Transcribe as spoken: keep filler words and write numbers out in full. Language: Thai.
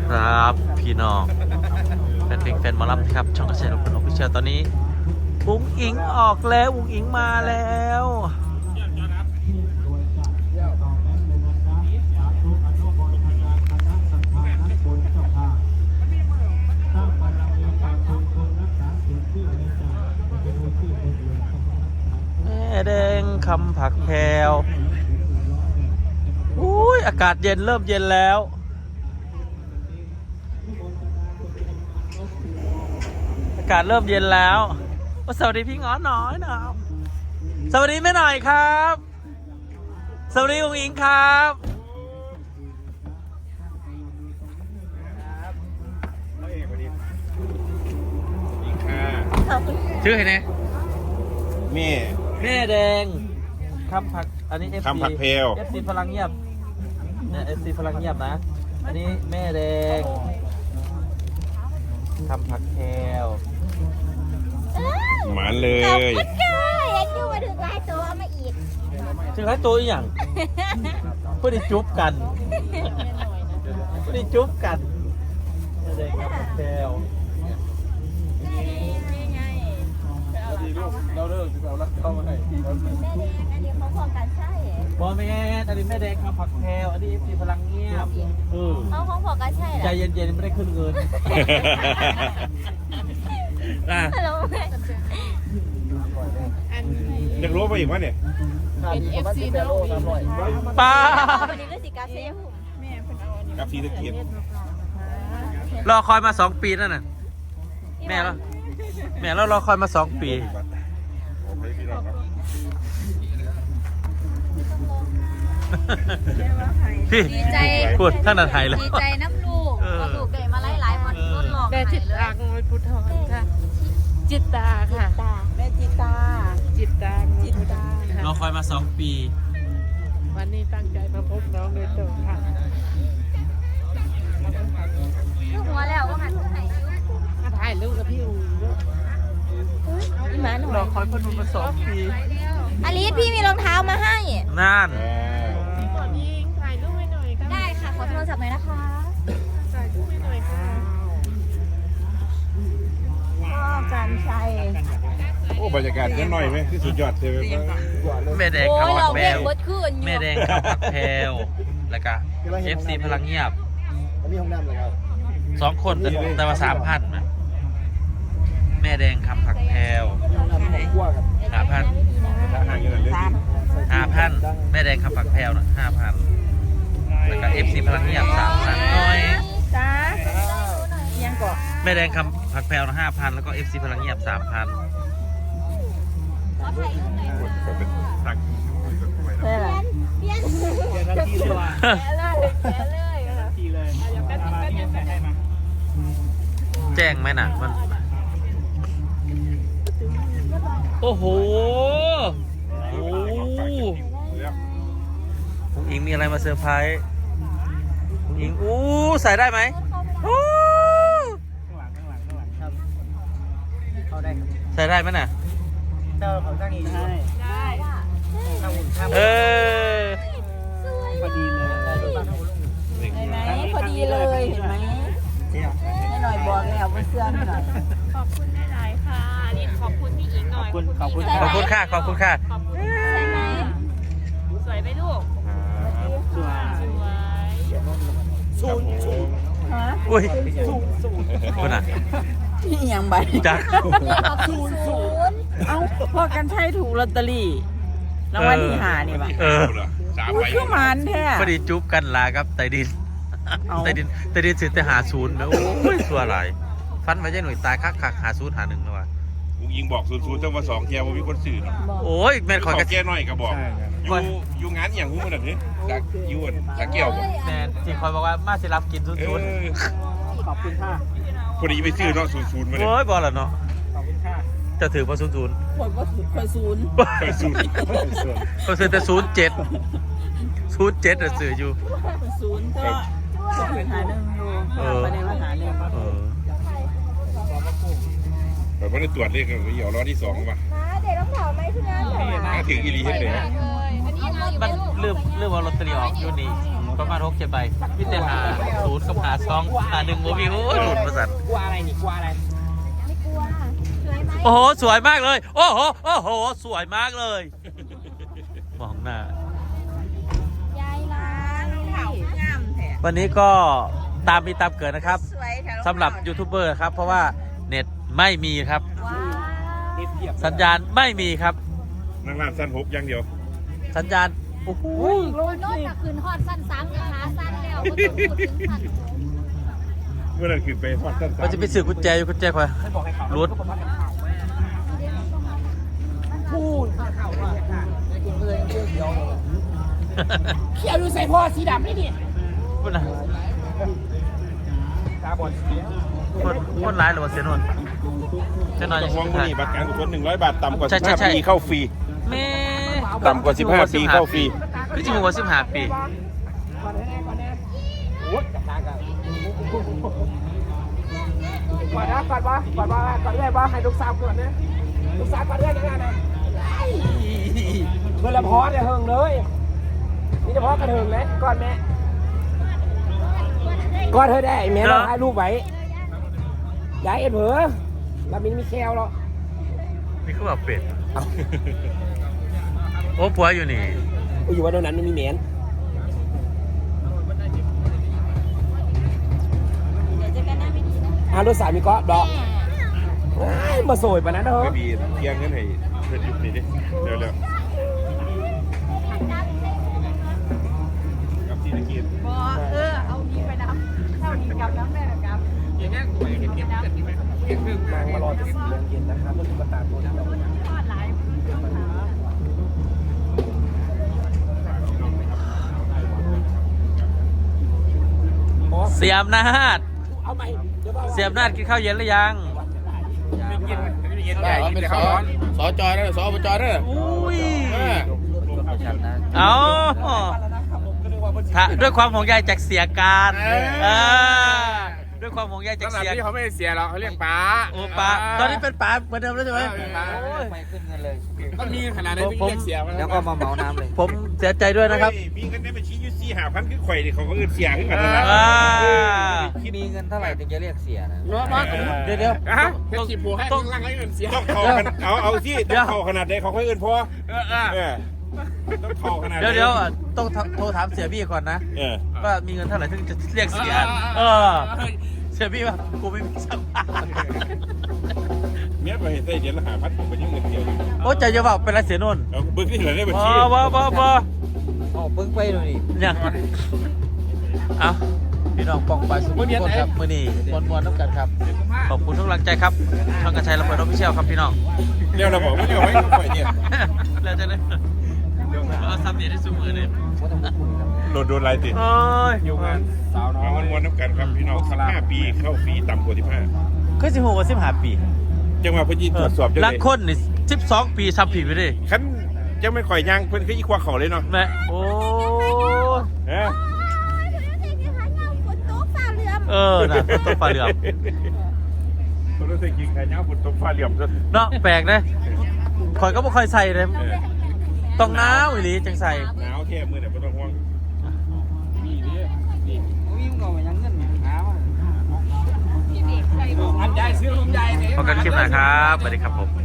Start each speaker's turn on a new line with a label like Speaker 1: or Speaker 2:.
Speaker 1: ครับพี่น้องแฟนเพลงแฟนหมอลำครับช่องกระแสลูกคนออฟฟิเชียลตอนนี้อุ้งอิงออกแล้วอุ้งอิงมาแล้วแม่แดงคำผักแพรวอุ้ยอากาศเย็นเริ่มเย็นแล้วอากาศเริ่มเย็นแล้วสวัสดีพี่ง้อน้อยนะสวัสดีแม่หน่อยครับสวัสดีอุ้งอิงครับชื่อใครเนี่ย
Speaker 2: แม่
Speaker 1: แม่แดงคำผักอันนี้ เอฟ ซี
Speaker 2: คำผักเพลว
Speaker 1: เอฟ ซี พลังเงียบเนี่ย เอฟ ซี พลังเงียบนะอันนี้แม่แดงคำผักแพรว
Speaker 2: หมานเลย
Speaker 3: ขอบคุณค่ะยังอยู่มาถึงลายตัวเอามาอีก
Speaker 1: ชื่อไรตัวอีกอย่างเพื่อได้จุ๊บกันเพื่อได้จุ๊บกันแม่แดงคำผักแพรว
Speaker 2: เราเลิกเราลักเข้ามาให้
Speaker 3: แม่แดงอันนี้เขาของการใช่
Speaker 1: บอแม่อันนี้แม่แดงคำผักแพรวอันนี้ เอฟ ซี พลังเงียบเออ
Speaker 3: เขาของของการใช่เหรอ
Speaker 1: ใจเย็นๆไม่ได้ขึ้นเงินอ่ะ
Speaker 3: ฮัลโหลแม่
Speaker 2: เด็กรู้ไปอีกวะเนี่ย
Speaker 3: เป็น เอฟ ซี นะลูก
Speaker 1: ป้า
Speaker 3: วันนี้ก็สิกาเซ่ผม
Speaker 2: กับซีตะเกียบ
Speaker 1: รอคอยมาสองปีนั่นน่ะแม่แล้วแม่แล้วรอคอยมาสองปีพี่
Speaker 3: ดีใจ
Speaker 1: พูดท่านอาไทยเลย
Speaker 3: ดีใจน้ำลูกก็ลูกได้มาหลายๆวันรถหลอก
Speaker 4: ได้จิตตางวยพุทธรค่ะ จิตตาค่ะ
Speaker 3: ตา
Speaker 4: แม่จิตตา จิตตางวยพุทธรค่ะ
Speaker 1: รอคอยมาสองปี
Speaker 4: วันนี้ตั้งใจมาพบน้องโดยตรงค่ะ
Speaker 3: ลูกหัวแล้วว่าหันขึ้นไหน
Speaker 4: มาถ่ายรูปกับพี่อู๋ด้วย
Speaker 3: อีหมาหน่อ
Speaker 1: รอย คอยคนดูมาสองปี
Speaker 3: อลิสพี่มีรองเท้ามาให้
Speaker 1: นั่น
Speaker 4: ก่อนยิงถ่ายรูปให้หน่อยค่ะ
Speaker 3: ได้ค่ะ ขอโทรศัพท์หน่อยนะคะ
Speaker 4: ถ่ายรูปให้หน่อยค่ะ
Speaker 3: พ่อกันชัย
Speaker 2: โอ้บรรยากาศยังหน่อยไหมที่สุดยอดเลย
Speaker 1: แม่แดง
Speaker 3: โอ้
Speaker 1: คำ
Speaker 3: ย
Speaker 1: ผั
Speaker 3: เรา
Speaker 1: กแพ
Speaker 3: เพ่
Speaker 1: รง ว
Speaker 3: บดขึ้นอยู่
Speaker 1: แม่แดงคำผักแพรวแล้วก็ เอฟ ซี พลังเงียบ
Speaker 5: อันนี้ห้องน้ำเลยครับ
Speaker 1: สองคนแต่แต่ว่าสามพันนะแม่แดงคำผักแพรว
Speaker 5: ห้องน้ำของขั้วครับ
Speaker 1: ห้าพัน
Speaker 2: ห่างกันเลย
Speaker 1: ห้าพันแม่แดงคำผักแพรวน่ะห้าพันแล้วก็ เอฟ ซี พลังเงียบสามพันน้อย
Speaker 4: จ้ายังก่อน
Speaker 1: แม่แดงคำผักแพรวนะห้าพันแล้วก็ เอฟ ซี พลังเงียบสามพัน
Speaker 2: เป็นตัก
Speaker 3: เปลี่ยนเปลี่ยน
Speaker 5: เจอทันทีเลยว่ะ
Speaker 3: แกะเลยแกะเลย
Speaker 5: ทันทีเลยมาที่ใส่ให้มา
Speaker 1: แจ้งไหมน่ะมันโอ้โหโอ้คุณอิงมีอะไรมาเซอร์ไพรส์คุณอิงอู้ใส่ได้ไหมอู้
Speaker 5: ข้างหลังข้างหลังข้างหลังครับเข้าได้ครับ
Speaker 1: ใส่ได้ไหมน่ะ
Speaker 5: เจ้าเขาตั้งอีกให้ได้ข้างหุ่นข้าง
Speaker 1: เออ
Speaker 5: พอดีเลยบ้านข้างหุ่น
Speaker 3: เห็นไหมพอดีเลยเห็นไหม
Speaker 5: เจ๊อ่ะ
Speaker 3: ให้หน่อยบอกแล้วว่าเสื้อให้หน่อย
Speaker 4: ขอบคุณหลายๆค่ะรีบขอบคุณพี่อิงหน่
Speaker 5: ข
Speaker 4: อ
Speaker 5: อบ
Speaker 4: ย
Speaker 5: คุณขอบคุณ
Speaker 1: ขอบคุณค่ะขอบคุณค่ะ
Speaker 4: ขอบคุณ
Speaker 3: ใช่ไหม
Speaker 4: สวยไหมลูก
Speaker 5: สวย
Speaker 4: สวย
Speaker 2: สูง
Speaker 3: ฮะ
Speaker 1: อุ้ยคุณอ่ะ
Speaker 4: พี่ยังใบ
Speaker 1: จัก
Speaker 3: ศูนย์ศูนย์
Speaker 4: เอ้าพอกันใช้ถูกลอตเตอรี่รางวัลที่หานี่ป่ะ
Speaker 1: เออ
Speaker 2: สาม
Speaker 4: อุ้
Speaker 2: ใบ
Speaker 4: ยคือมันแท้
Speaker 1: พอดีจุ๊บกันลาครับไตดิน
Speaker 4: เอา
Speaker 1: ไตดินไตดินสิแต่หาศูนย์นะโอ้ยสัวหลายฟันมาใจหน่วยตายคักคักหาศูนย์หาหนึ่งนะวะ
Speaker 2: กูยิงบอกศูนย์ศูนย์ตั้งว่าสองแกว่ามีคนสื่อ
Speaker 1: โอ้ยแม่น
Speaker 2: ข
Speaker 1: ค
Speaker 2: อ
Speaker 1: อยกระ
Speaker 2: แกหน่อยก็บอกอยู่อยู่งานอย่างหูมันแบบนี้จากยูนจากเกี่ยวบอก
Speaker 1: แม่นที่คอยบอกว่ามาสิรับกินศูนย์
Speaker 2: เอ
Speaker 1: ศูนย์
Speaker 2: อ
Speaker 5: ขอบคุณค่ะ
Speaker 2: พอดีไปซื้อเนาะศูนย์ศูนย์มาเลย
Speaker 1: โอ้ยบอลละเนาะ
Speaker 5: ขอบคุณค่ะ
Speaker 1: จะถือว่าศูนย์ศูนย์
Speaker 4: คนว่าถูกคนศูนย์
Speaker 2: ไปศูนย์
Speaker 5: ส่วน
Speaker 1: ก็ซื้อแต่ศูนย์เจ็ดศูนย์เจ็ดอะซื้ออยู่
Speaker 4: คนศูนย์ก็จะไปหาหนึ่งอยู่
Speaker 1: เออ
Speaker 4: ประเด็นว่าหาหนึ่ง
Speaker 1: เออ
Speaker 2: แบบว่าได้ตรวจเลขกันเดี๋ยวรอที่สองป่ะ
Speaker 3: มาเด็กต้องเผาไหมที่นั่นเหรอ
Speaker 2: ถ้าถึงอีรีเฮ็ดเลย
Speaker 3: อันนี้เอาอยู่
Speaker 1: มัน
Speaker 3: ลูก
Speaker 1: เริ่มเริ่มเอาลอตเตอรี่ออกอยู่นี่
Speaker 5: อ๋อ
Speaker 1: ประมาณหกเจ็ดใบมิเตหาศูนย์กับหาสองหาหนึ่งโมบิวหลุดประสัน
Speaker 5: กลัวอะไรนี่กลัวอะไร
Speaker 3: ไม่กลัวสวยไหม
Speaker 1: โอ้โหสวยมากเลย โอ้โหโอ้โหสวยมากเลยมองหน้าย
Speaker 3: ายล้าง
Speaker 4: เขางามแท้
Speaker 1: วันนี้ก็ตามมีตามเกิดนะครับ
Speaker 4: สวยแท้
Speaker 1: สำหรับยูทูบเบอร์ครับเพราะว่าเน็ตไม่มีครับ
Speaker 3: ว้าว
Speaker 5: เทียบ
Speaker 1: สัญญาณไม่มีครับ
Speaker 2: นั่งร้านสั้นหกอย่างเดียว
Speaker 1: สัญญาณโอ้โห
Speaker 3: โรนโน่นน่ะคืนฮอดสั้นสามกับขาสั้นแล้วก็ต้องพูดถึงสั้น
Speaker 2: เมื่อนั้นขึ้นไปทอดสั้น
Speaker 1: มันจะไปสื่อกุญแจอยู่กุญแจคอย
Speaker 5: ให้บอกให้เขา
Speaker 1: รุด
Speaker 5: ก็บอกว่าเป็นข่าวพูดข่าวว่าในกลุ่มเลยเขียวเขียวดูใส่พ่อสีดำนี่นี่
Speaker 1: พูดนะ
Speaker 5: ตาบอดเสีย
Speaker 1: คนคนร้ายหรือว่าเสียนวลจะนอนอ
Speaker 2: ต้อย่าง ห่วง
Speaker 1: ไง
Speaker 2: มือนี่บัตรการกุศลหนึ่งร้อยบาทต่ำกว่า
Speaker 1: ใช่
Speaker 2: สิบ
Speaker 1: ใช่
Speaker 2: ห้า
Speaker 1: ใช่
Speaker 2: ปีเข้าฟรี
Speaker 1: แม่
Speaker 2: ต่ำกว่าสิบห้าปีเข้าฟรี
Speaker 1: พี่จิ๋มหัวสิบห้าปี
Speaker 5: ก่อนแน่ก่อนแน่โอ้ยกระทากันก่อนนะก่อนว่าก่อนว่าก่อนเรื่อยว่าให้ลูกสาวก่อนนะลูกสาวก่อนเรื่อยยังไงนะเมื่อละพอเนี่ยเฮิงเลยนี่เฉพาะกระเทิงนะก่อนแม่ก่อนเธอได้แม่เราถ่ายรูปไว้ย้ายเอ็นเหรอเรามีมีแคลหรอ
Speaker 1: นี่คือแบบเป็ดโอ้ผัวอยู่นี่
Speaker 5: อยู่ว่าตรงนั้นมันมีเหม็น
Speaker 3: เดี๋ยวเจอกันหน้าไม่ดีนะ
Speaker 5: อารถสามีก็ดอกมาสวยปะนะเด้อ
Speaker 2: ไม่มีเที่ยงกันให้เพื่อนหยุดนี่ดิเร็วเร็วกับที่ตะกี้
Speaker 4: บอเออเอานี้ไปน้ำเท่านี้กับน้ำแม่กับอย่างนี้กูไปเห็นเก็บเก็บที่ไหมเก็บเรื่อง
Speaker 5: นางมารอจะสี่โมงเย็นนะครับรถตุ๊กตาตัวนี้เรา
Speaker 4: ทอดหลาย
Speaker 1: เสียมนาด
Speaker 5: เอาใหม่เดี๋ยว
Speaker 1: เสียมนาดกินข้าวเย็นหรือยัง
Speaker 2: ได้เป็นเขาสอจอยนะสอบจอยนะ
Speaker 1: อุ้ยเอาถ้าด้วยความห่วงใยจากเสียการเออด้วยความห่วงใยจาก
Speaker 2: สำหรับ
Speaker 1: เสีย
Speaker 2: ที่เขาไม่เสียหรอกเขาเรียกป๋า
Speaker 1: โอ้ป้าตอนนี้เป็นป้าเหมือนเดิมแล้วใช่ไหมโอ้ย
Speaker 5: ไม่ขึ้นเงินเลย
Speaker 2: ก็มีขนาดนั้นที่เรียกเสีย
Speaker 5: แล้วก็มาเหมาน้ำเลย
Speaker 1: ผมเสียใจด้วยนะครับ
Speaker 2: มีเงินได้บัญชียูซีหาพันคือข่อยดิเขาก็เงินเสียขึ้นมาแล้วนะ
Speaker 1: อ่า
Speaker 5: มีเงินเท่าไหร่ถึงจะเรียกเสียนะ
Speaker 1: เดี๋ยวเดี๋ยว
Speaker 2: ฮะ
Speaker 1: ต้อง
Speaker 2: ขีดผูให้
Speaker 1: ต้อง
Speaker 2: ร่างไรเงินเสียต้องเขาเอาเอาที่ต้องเขาขนาดใดเขาค่อยเงินพอเออเออต้องเขาขนาด
Speaker 1: เดี๋ยวเดี๋ยวต้องโทรถามเสียบี้ก่อนนะ
Speaker 2: เออ
Speaker 1: ว่ามีเงินเท่าไหร่ถึงจะเรียกเสีย เออ เสียบี้ว่ากูไม่มีสักบาท
Speaker 2: เมียไปเห็นได้เดือนละหาพันผมไปยังเงินเดียว
Speaker 1: โอ้ใจจะบอกเป็นไรเสียนุ่น
Speaker 2: เอาเบิ้งที่เหลือได้บัญ
Speaker 1: บ่
Speaker 2: ชี
Speaker 1: บ่บ่บ่
Speaker 5: อ๋อเพิ่งไปดูนี่
Speaker 1: ยังเอาพี่น้องป้องไปสุขทุกคนครับมือนี้มวนมวนๆน้ำกันครับ ขอบคุณทุกกำลังใจครับช่องกระชัยระเบิดออฟฟิเชียลครับพี่น้อง
Speaker 2: เดี๋ยวเราบอกว่าเดี๋ยวไว้ก็ปล่อยเนี่ย
Speaker 1: แล้วจะได้เอาซับเดียได้สูมือเลย
Speaker 2: โดนโดนลายติด
Speaker 1: โอ้ย
Speaker 2: อยู่งานสาวน้อยวันวันน้ำกันครับพี่น้องสิบห้าปีเข้าฟรีต่ำกว่าสิบห้า
Speaker 1: คือสิบหกว่าสิบห้าปี
Speaker 2: จังหวะพี่ตรวจสอบจัง
Speaker 1: ลั
Speaker 2: เล
Speaker 1: ง
Speaker 2: ย
Speaker 1: คนนี่สิบสองปีทำผิดไปดิ
Speaker 2: ขั้นยังไม่ข่อยยางเพิ่นคืออีควาเขาเลยเนาะ
Speaker 1: แม่โอ้
Speaker 2: เออ
Speaker 1: เออน่ะต้นฟ้าเหลือม
Speaker 2: คนรู้สึกยิงใครเนาะฝนตกฟ้าเหลี่ยมซะ
Speaker 1: เนาะแปลกนะคอยก็ไม่ค่อยใส่เลยต้องหนาวอีหลีจังใส่
Speaker 2: หนาวแค่มือเนี่ยไม่ต้องห่วง
Speaker 5: วิ่งก่อนยังเงินหา
Speaker 4: อันใหญ่ซื้อลมใหญ่เนี่ย
Speaker 1: พบกันคลิปหน้าครับสวัสดีครับผม